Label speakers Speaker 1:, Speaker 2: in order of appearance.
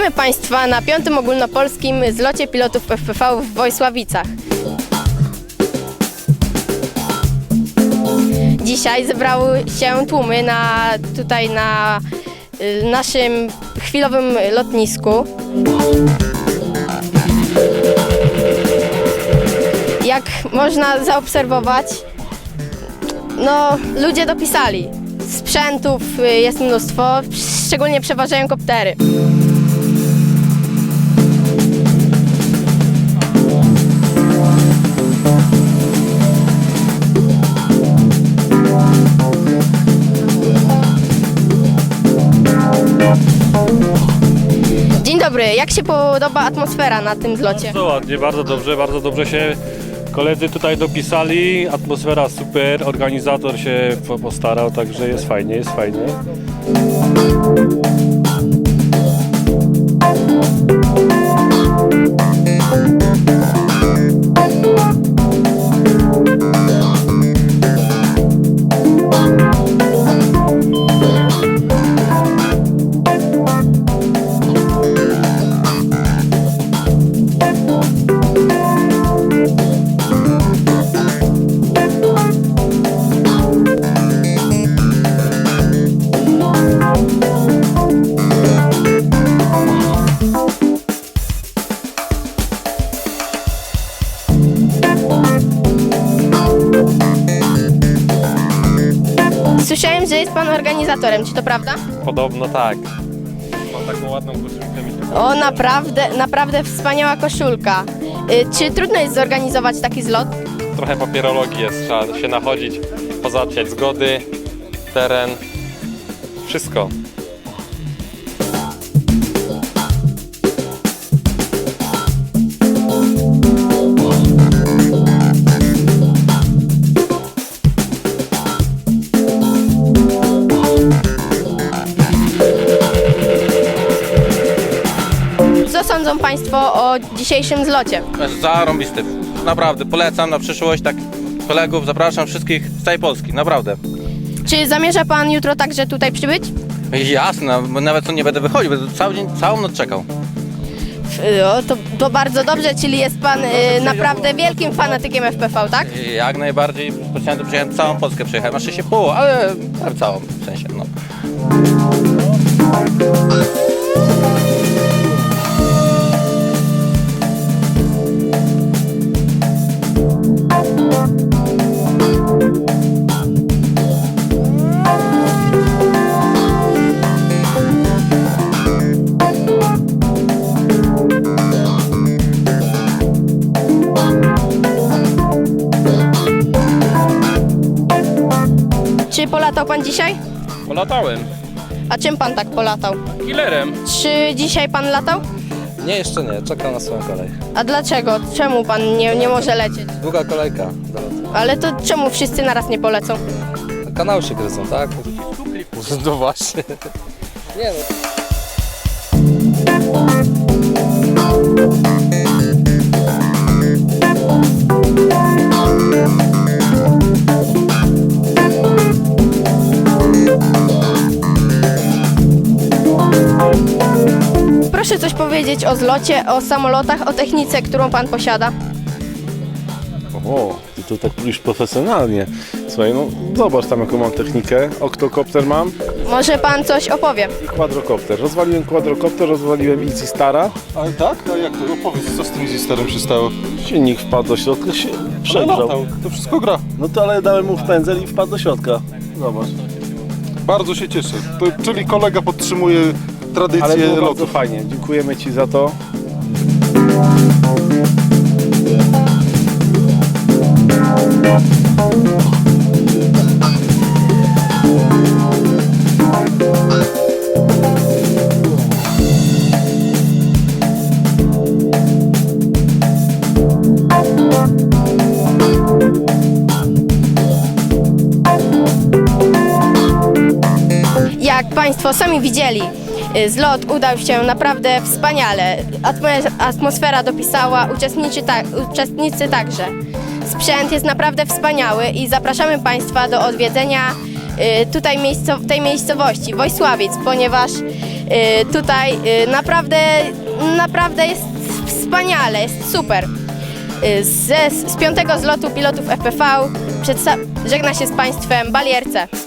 Speaker 1: Witamy Państwa na 5. ogólnopolskim zlocie pilotów FPV w Wojsławicach. Dzisiaj zebrały się tłumy tutaj na naszym chwilowym lotnisku. Jak można zaobserwować, ludzie dopisali. Sprzętów jest mnóstwo, szczególnie przeważają koptery. Dzień dobry, jak się podoba atmosfera na tym zlocie?
Speaker 2: Bardzo ładnie, bardzo dobrze się koledzy tutaj dopisali, atmosfera super, organizator się postarał, także jest fajnie,
Speaker 1: Słyszałem, że jest Pan organizatorem, czy to prawda?
Speaker 2: Podobno tak. Mam taką ładną koszulkę mi
Speaker 1: O, naprawdę wspaniała koszulka. Czy trudno jest zorganizować taki zlot?
Speaker 3: Trochę papierologii jest, trzeba się nachodzić, pozałatwiać zgody, teren, wszystko.
Speaker 1: Co sądzą Państwo o dzisiejszym zlocie?
Speaker 4: Zarąbisty. Naprawdę, polecam na przyszłość, tak kolegów, zapraszam wszystkich z całej Polski, naprawdę.
Speaker 1: Czy zamierza Pan jutro także tutaj przybyć?
Speaker 4: Jasne, bo nawet nie będę wychodził, będę cały dzień, całą noc czekał.
Speaker 1: To bardzo dobrze, czyli jest Pan naprawdę wielkim fanatykiem FPV, tak?
Speaker 4: Jak najbardziej, specjalnie tu przyjechałem, całą Polskę przejechałem, na szczęście pół, ale całą, w sensie, no.
Speaker 1: Czy polatał Pan dzisiaj?
Speaker 4: Polatałem.
Speaker 1: A czym Pan tak polatał?
Speaker 4: Killerem.
Speaker 1: Czy dzisiaj Pan latał?
Speaker 5: Nie, jeszcze nie. Czekam na swoją kolej.
Speaker 1: A dlaczego? Czemu Pan nie może lecieć?
Speaker 5: Długa kolejka do lotu.
Speaker 1: Ale to czemu wszyscy naraz nie polecą?
Speaker 5: Kanały się gryzą, tak? No właśnie. Nie no.
Speaker 1: Proszę coś powiedzieć o zlocie, o samolotach, o technice, którą Pan posiada.
Speaker 6: O, ty to tak mówisz profesjonalnie. Słuchaj, no zobacz tam jaką mam technikę. Oktokopter mam
Speaker 1: Może Pan coś opowie?
Speaker 6: i kwadrokopter. Rozwaliłem kwadrokopter, rozwaliłem Easy Stara.
Speaker 7: Ale tak? A jak to? Opowiedz, co z tym Easy Starem się stało?
Speaker 6: Silnik wpadł do środka, się
Speaker 7: Ale
Speaker 6: przegrzał.
Speaker 7: latał, to wszystko gra.
Speaker 6: No to ale dałem mu w pędzel i wpadł do środka. Zobacz.
Speaker 7: Bardzo się cieszę. Czyli kolega podtrzymuje
Speaker 6: Ale
Speaker 7: tradycję
Speaker 6: było bardzo
Speaker 7: lotu.
Speaker 6: fajnie. Dziękujemy Ci za to.
Speaker 1: Jak Państwo sami widzieli, zlot udał się naprawdę wspaniale. Atmosfera dopisała, uczestnicy także. Sprzęt jest naprawdę wspaniały i zapraszamy Państwa do odwiedzenia tej miejscowości, Wojsławic, ponieważ Tutaj naprawdę jest wspaniale, jest super. Z 5. zlotu pilotów FPV żegna się z Państwem Balierce.